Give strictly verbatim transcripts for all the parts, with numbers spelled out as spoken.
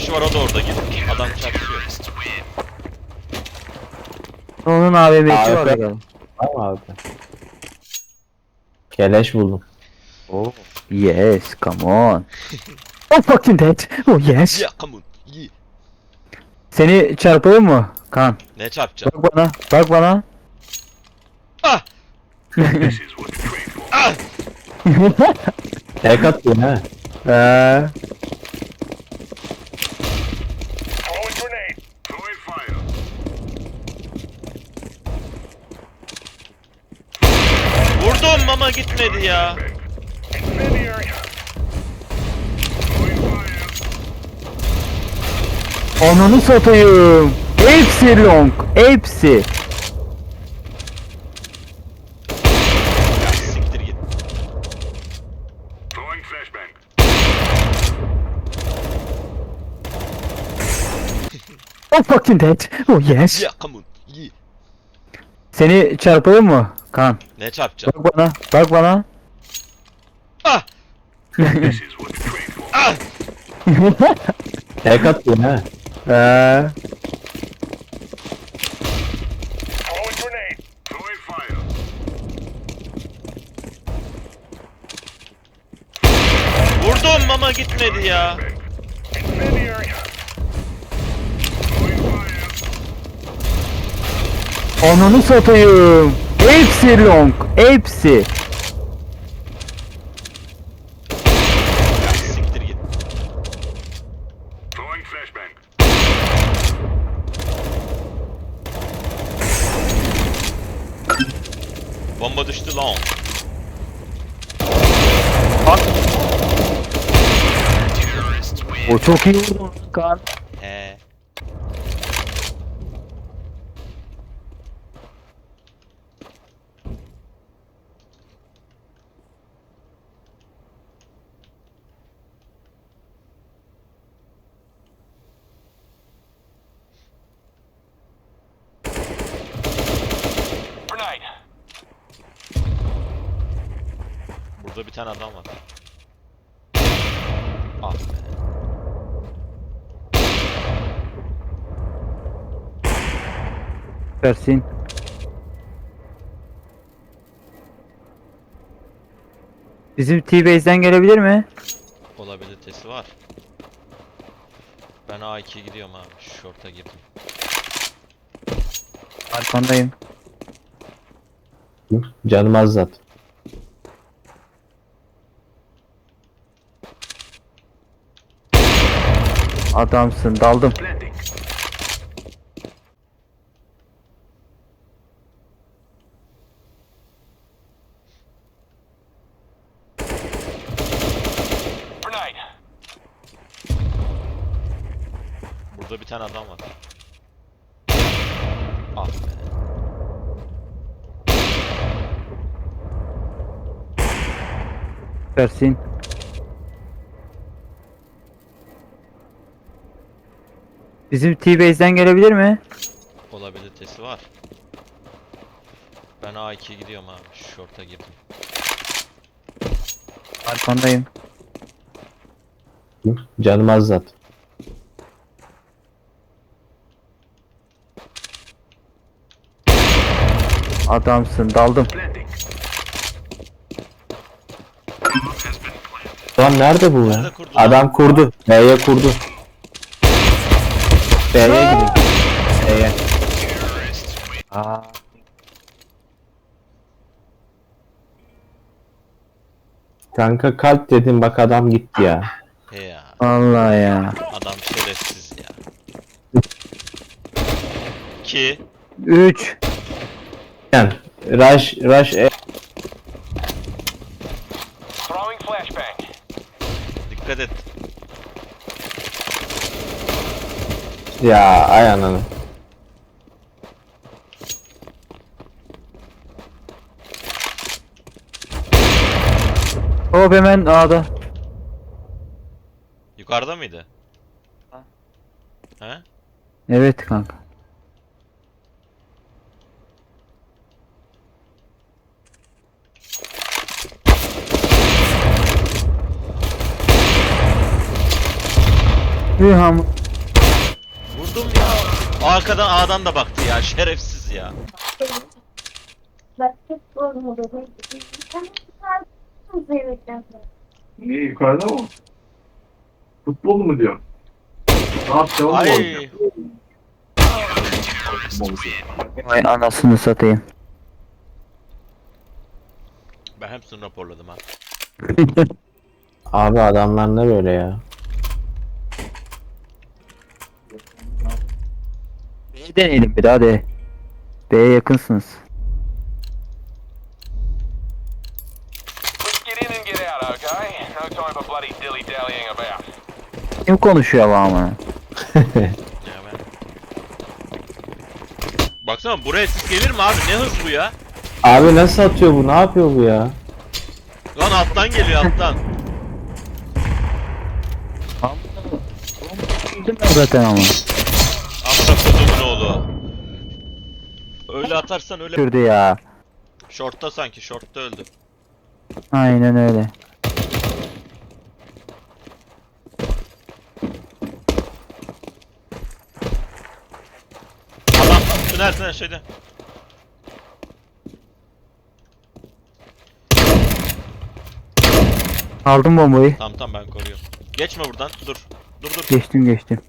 kişi var, o da orada gidip adam çarpışıyor. Onun A V M'si A var W P. bakalım. Tamam abi. Keleş buldum. Oh. Yes, come on. Oh fucking dead. Oh yes. Ya come on. Ye. Seni çarpalım mı? Kan. Ne çarpacağım? Bak bana. Bak bana. Ah! Ah! Tek attın ha. Eee. Vurdum ama gitmedi ya. Ananı satayım. Hepsi long. Hepsi. Ya siktir git. Oh fucking dead. Oh yes. Ya come on. Ye. Seni çarpalım mı? Kan. Ne çarpacağım? Bak bana. Bak bana. Ah! Ah! Tek attın ha. Eee. Vurdum ama gitmedi ya. Ananı satayım. Hepsi long. Hepsi. Ya siktir git. Bomba düştü lan. O çok iyi vurdu Kan. He. Burada bir tane adam var. Ah be. Versin. Bizim T-Base'den gelebilir mi? Olabilitesi var. Ben A ikiye gidiyorum abi. Short'a girdim. Arkandayım. Canım az zaten. Adamsın. Daldım. Burada bir tane adam var. Ah be. Versin. Bizim T-Base'den gelebilir mi? Olabilitesi var. Ben A ikiye gidiyorum abi. Short'a girdim. Arkandayım. Canım az zaten. Adamsın. Daldım. Lan nerede bu ya? Nerede kurdu lan? Adam kurdu. B'ye kurdu. B'ye gidiyor. B'ye. Aa. Kanka kalp dedim bak adam gitti ya. He ya. Vallahi ya. Adam şerefsiz ya. İki. üç. Yani Rush Rush E. Dikkat et. Ya ay ananı. Hop hemen A'da. Yukarıda mıydı? Ha. He? Evet kanka. Bir ham Vurdum ya. Arkadan A'dan da baktı ya. Şerefsiz ya. Niye yukarıda mı? Futbol mu diyor? Ne yapacağım? Ay. Vay anasını satayım. Ben hepsini raporladım ha. Abi adamlar ne böyle ya? B'yi deneyelim bir daha hadi. B'ye yakınsınız. Let's get in and get out, okay? No time for bloody dilly-dallying about. Kim konuşuyor ama? Ya ben. Baksana buraya sis gelir mi abi? Ne hız bu ya? Abi nasıl atıyor bu? Ne yapıyor bu ya? Lan alttan geliyor alttan. Öldüm ben zaten ama. Amına kodumun oğlu. Öyle atarsan öyle. Şurada ya. Short'ta sanki. Short'ta öldü. Aynen öyle. Adam tünel tünel şeyde. Aldım bombayı. Tamam tamam ben koruyorum. Geçme buradan. Dur. Dur dur. Geçtim geçtim.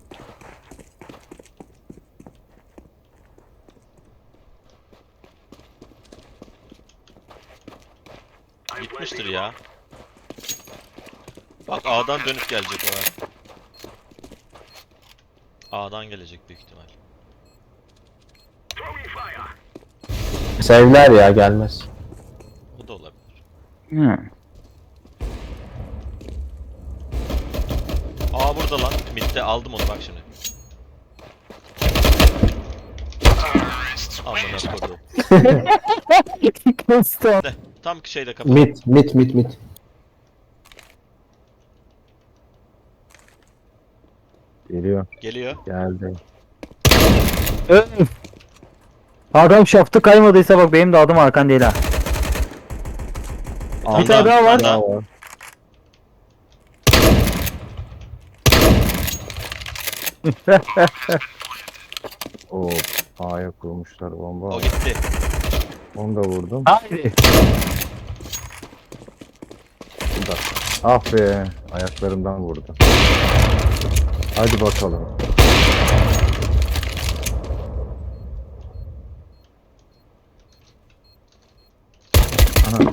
Gitmiştir ya. Bak A'dan dönüp gelecek o ha. A'dan gelecek büyük ihtimal. Sevler ya gelmez. O da olabilir. Hı. Aa burada lan. Mid'de aldım onu bak şimdi. Amına kodum. Kıstım. De, tam şeyle kapat. Mit mit mit mit. Geliyor. Geliyor. Geldi. Öf. Adam şaftı kaymadıysa bak benim de adım Hakan değil ha. tane Bir tane daha, daha bir var. tane daha. Bravo. O A'ya kurmuşlar bomba. O gitti. Onu da vurdum. Haydi. Ah be, ayaklarımdan vurdu. Hadi bakalım. Ana.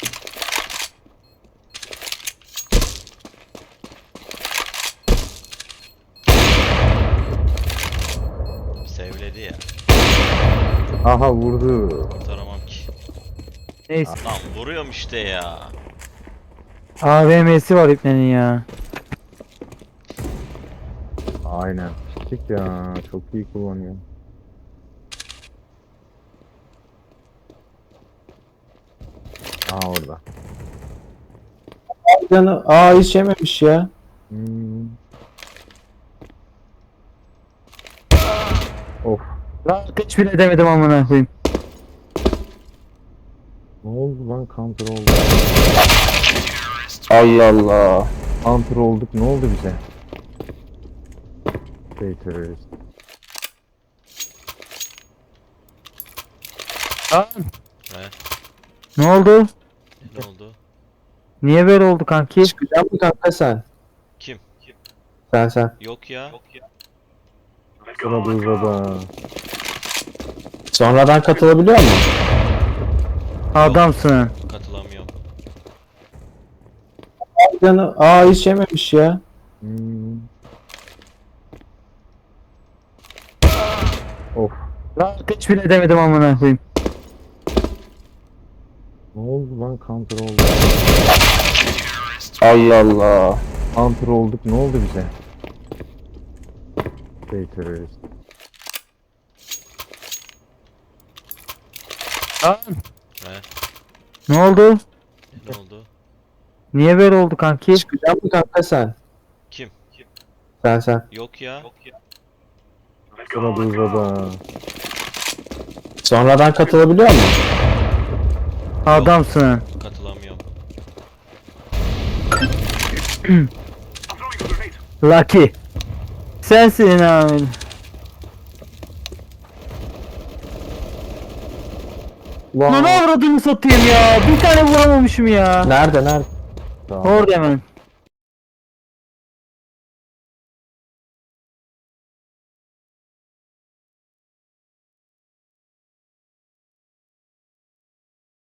Sevledi ya. Aha vurdu. Kurtaramam ki. Neyse. Lan vuruyorum işte ya. A V M'si var ipnenin ya. Aynen. Küçük ya. Çok iyi kullanıyor. Aa orada. Canı aa hiç yememiş ya. Hmm. Of. Lan ateş bile demedim amına koyayım. Ne oldu lan, counter oldu. Allah Allah. Counter olduk, ne oldu bize? Şey terörist. Lan. He? Ne oldu? Ne oldu? Niye böyle oldu kanki? Çıkacak mı kanka sen? Kim? Kim? Sen sen. Yok ya. Yok ya. Sıra uzadı. Sonradan katılabiliyor mu? Adamsın. Katılamıyorum. Canı aa hiç yememiş ya. Hmm. Of. Lan ateş bile demedim amına koyayım. Ne oldu lan, counter oldu. Allah Allah. Counter olduk, ne oldu bize? Şey terörist. Lan. He? Ne oldu? Ne oldu? Niye böyle oldu kanki? Çıkacak mı kanka sen? Kim? Kim? Sen sen. Yok ya. Yok ya. Sıra uzadı. Sonradan katılabiliyor mu? Adamsın. Katılamıyorum. Lucky. Sensin abi. Lan avradını satayım ya. Bir tane vuramamışım ya. Nerede nerede? Tamam. Orada hemen.